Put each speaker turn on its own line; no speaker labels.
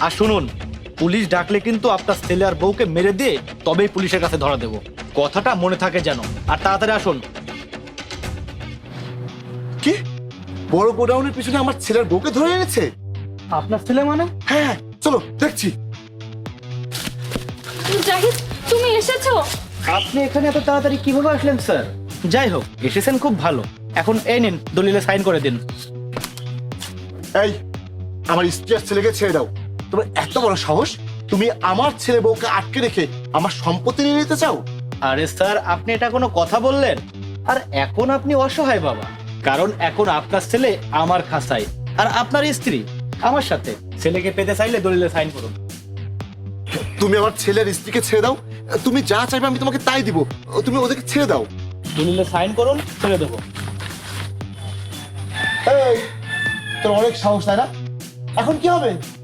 আর শুনুন, পুলিশ ডাকলে কিন্তু আপনার ছেলে আর বউকে মেরে দিয়ে তবেই পুলিশের কাছে ধরা দেব, কথাটা মনে থাকে যেন। আর তাড়াতাড়ি আসুন।
কি বড় গোডাউনের পিছনে আমার ছেলের বউকে ধরে এনেছে?
আপনার ছেলে মানে?
হ্যাঁ, চলো দেখছি।
জাহিদ, তুমি এসেছো?
আপনি এখানে এত তাড়াতাড়ি কিভাবে আসলেন স্যার? যাই হোক, এসেছেন খুব ভালো। এখন এই নিন, দলিলে সাইন করে দিন।
এই, আমার স্ত্রী আর ছেলেকে ছেড়ে দাও। তোমার এত বড় সাহস, তুমি আমার ছেলে বউকে আটকে রেখে আমার সম্পত্তি নিয়ে নিতে চাও?
আরে স্যার, আপনি এটা কোনো কথা বললেন? আর এখন আপনি অসহায় বাবা, কারণ এখন আপনার ছেলে আমার খাসায় আর আপনার স্ত্রী আমার সাথে। ছেলেকে পেতে চাইলে দলিলে সাইন করুন।
তুমি আমার ছেলের স্ত্রীকে ছেড়ে দাও। তুমি যা চাইবে আমি তোমাকে তাই দিব। তুমি ওদেরকে ছেড়ে দাও।
দলিলে সাইন করুন, ছেড়ে দেবো।
এই, তোর অনেক সাহস, তাই না? এখন কি হবে?